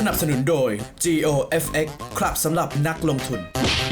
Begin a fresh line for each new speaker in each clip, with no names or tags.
นับสนุนโดย GOFX ครับสำหรับนักลงทุน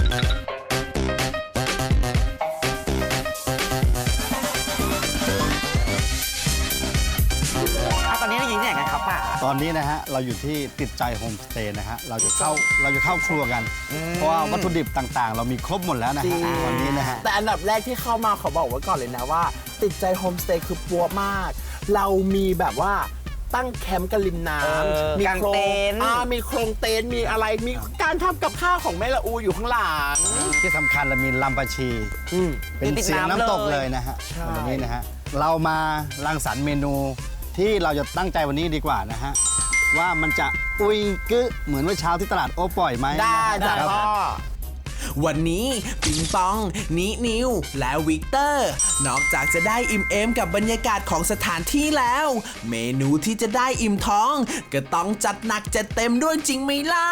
ตอนนี้เราอยู่ที่ไหนกันครับป้า
ตอนนี้นะฮะเราอยู่ที่ติดใจโฮมสเตย์นะฮะเราจะเข้าครัวกันเพราะว่าวัตถุดิบต่างๆ เรามีครบหมดแล้วนะฮะวันนี้นะฮะ
แต่อันดับแรกที่เข้ามาขอบอกไว้ก่อนเลยนะว่าติดใจโฮมสเตย์คือปัวมากเรามีแบบว่าตั้งแคมป์กันริมน้ำมีโครงมีโครงเต็นท์มีอะไรมีการทำกับข้าวของแม่ละอูอยู่ข้างหลัง
ที่สำคัญเรามีลำปะชีเป็นเสียงน้ำตกเลยนะฮะวันนี้นะฮะเรามารังสรรค์เมนูที่เราจะตั้งใจวันนี้ดีกว่านะฮะว่ามันจะอุยกึเหมือนเมื่อเช้าที่ตลาดโอปล่อยไหม
ได้จ้ะพ่อ
วันนี้ปิงปองนิวและวิกเตอร์นอกจากจะได้อิ่มเอมกับบรรยากาศของสถานที่แล้วเมนูที่จะได้อิ่มท้องก็ต้องจัดหนักจัดเต็มด้วยจริงไหมล่ะ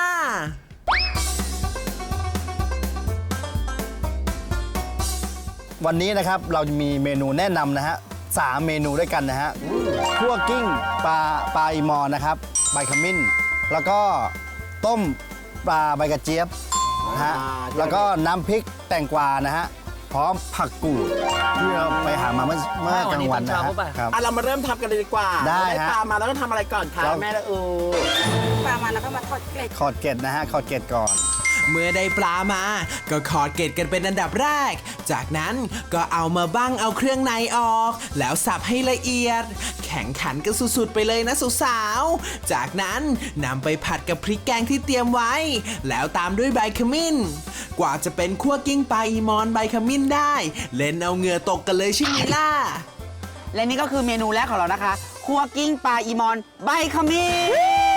วันนี้นะครับเราจะมีเมนูแนะนำนะฮะ3 เมนูด้วยกันนะฮะคั่วกิ้งปลาอีมอนนะครับใบขมิ้นแล้วก็ต้มปลาใบกระเจี๊ยบนะฮะแล้วก็น้ำพริกแตงกวานะฮะพร้อมผักกูดที่เราไปหามาเมื่อกลางวันนะครับ
เรามาเริ่มทำกันเลยดีกว่า
ได้ฮะ
ปลามาแล้วก็ทำอะไรก่อนคะแม่ละอู
ปลามาแล้วก็มาทอดเกล็ด
ขอดเกล็ดนะฮะขอดเกล็ดก่อน
เมื่อได้ปลามาก็ขอดเกล็ดกันเป็นอันดับแรกจากนั้นก็เอามาบั้งเอาเครื่องในออกแล้วสับให้ละเอียดแข่งขันกันสุดๆไปเลยนะสาวๆจากนั้นนำไปผัดกับพริกแกงที่เตรียมไว้แล้วตามด้วยใบขมิ้นกว่าจะเป็นคั่วกิ้งปลาอีมอนใบขมิ้นได้เล่นเอาเหงื่อตกกันเลยใช่ไหมล่ะ
และนี่ก็คือเมนูแรกของเรานะคะคั่วกิ้งปลาอีมอนใบขมิ้น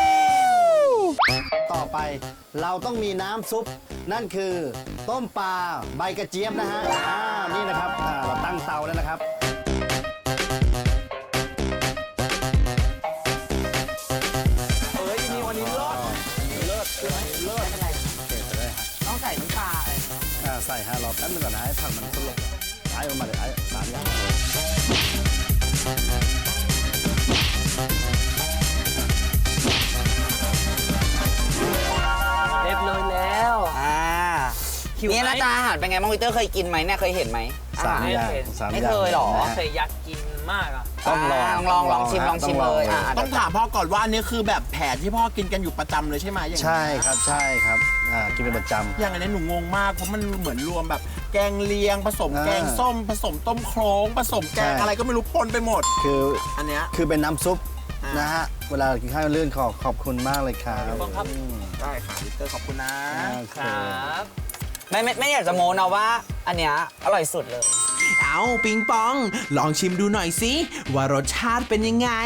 ต่อไปเราต้องมีน้ำซุปนั่นคือต้มปลาใบกระเจี๊ยบนะฮะนี่นะครับเราตั้งเตาแล้วนะครับ
นี่วันนี้เลิศ
อะไรต้องใส่น้ำปลาอะไร
ใส่ฮะรอแป๊บนึงก่อนนะให้ผักมันสุกไอ้ออกมาเลยไอ้3 อย่าง
เรียบร้อยแล้วนี่หน้าตาอาหารเป็นไงบ้างวิเตอร์เคยกินไหมเนี่ยเคยเห็นไหม
3 อย่าง
ไม่เคยหรอ
เคยอยากกินมากอ่ะ
ต้อง
ลองชิมเลย
ต้องถามพ่อก่อนว่าอันนี้คือแบบแผนที่พ่อกินกันอยู่ประจำเลยใช่ไหมอย่างนี้
ใช่ครับกินเป็นประจำ
อย่างอันนี้หนูงงมากเพราะมันเหมือนรวมแบบแกงเลียงผสมแกงส้มผสมต้มโครงผสมแกงอะไรก็ไม่รู้ปนไปหมด
คือ
อันเนี้ย
คือเป็นน้ำซุปนะฮะเวลากินข้าวเลื่อนขอบคุณมากเลยครับ
ได้ค่ะวิเตอร์ขอบคุณนะครับ
ไม่อยากจะโม้นะว่าอันเนี้ยอร่อยสุดเลย
เอาปิงปองลองชิมดูหน่อยสิว่ารสชาติเป็นยังไง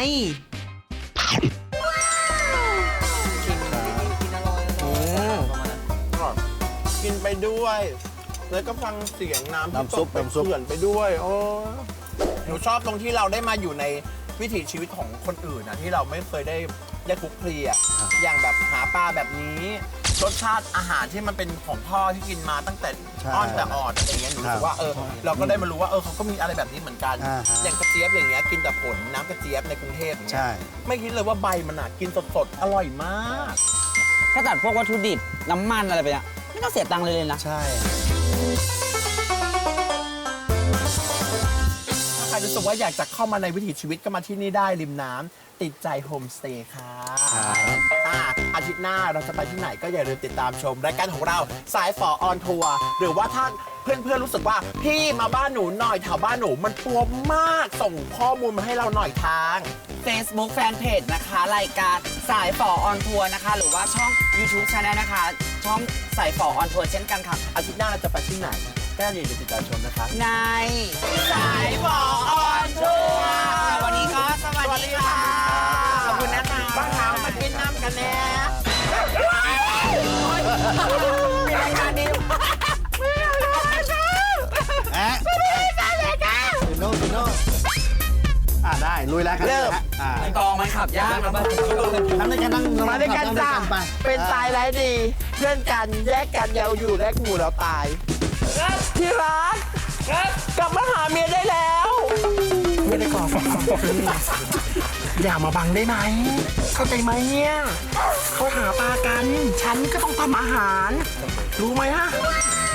กินไปด้วยแล้วก็ฟังเสียงน้ำซุปเขื่อนไปด้วยโอ้หนูชอบตรงที่เราได้มาอยู่ในวิถีชีวิตของคนอื่นนะที่เราไม่เคยได้คลุกคลีอ่ะอย่างแบบหาปลาแบบนี้รสชาติอาหารที่มันเป็นของพ่อที่กินมาตั้งแต่อ้อนแต่ออดอะไรเงี้ยหนูรู้สึกว่าเราก็ได้มารู้ว่าเขาก็มีอะไรแบบนี้เหมือนกันอย่างกระเจี๊ยบอย่างเงี้ยกินแต่ผลน้ำกระเจี๊ยบในกรุงเทพอย่างเงี้ยไม่คิดเลยว่าใบมันกินสดๆอร่อยมาก
ถ้าตัดพวกวัตถุดิบน้ำมันอะไรไปเนี่ยไม่ต้องเสียตังค์เลยนะ
ใช่
ใครรู้สึกว่าอยากจะเข้ามาในวิถีชีวิตก็มาที่นี่ได้ริมน้ำติดใจโฮมสเตย์ค่ะอาทิตย์หน้าเราจะไปที่ไหนก็อย่าลืมติดตามชมรายการของเราสายฝอออนทัวร์หรือว่าถ้าเพื่อนๆรู้สึกว่าพี่มาบ้านหนูหน่อยแถวบ้านหนูมันปัวมากส่งข้อมูลมาให้เราหน่อยทาง
Facebook Fanpage นะคะรายการสายฝอออนทัวร์นะคะหรือว่าช่อง YouTube Channel นะคะช่องสายฝอออนทัวร์เช่นกันค่ะ
อาทิตย์หน้าเราจะไปที่ไหนก็อย่าลืมติดตามชมนะคะ
ในสายฝอออนทัวร์วันนี้ก็สวัสดีค่ะขอบคุณนะคะ
บ้านเรามากินน้ำกันแน่มีรายการนี้
โน่ได้ลุยแล้วครับ
เริ่มกองมันขับยากนะบ้าง
นั่งด้วยกัน
มาด้วยกันจ้าเป็นตายไรดีเพื่อนกันแยกกันยาวอยู่แลกหมู่เราตายที่รักกลับมาหาเมียได้แล้วไม่ได้ขอ
อย่ามาบังได้ไหมเข้าใจไหมเนี่ยเขาหาปลากันฉันก็ต้องทำอาหารรู้ไหมฮะ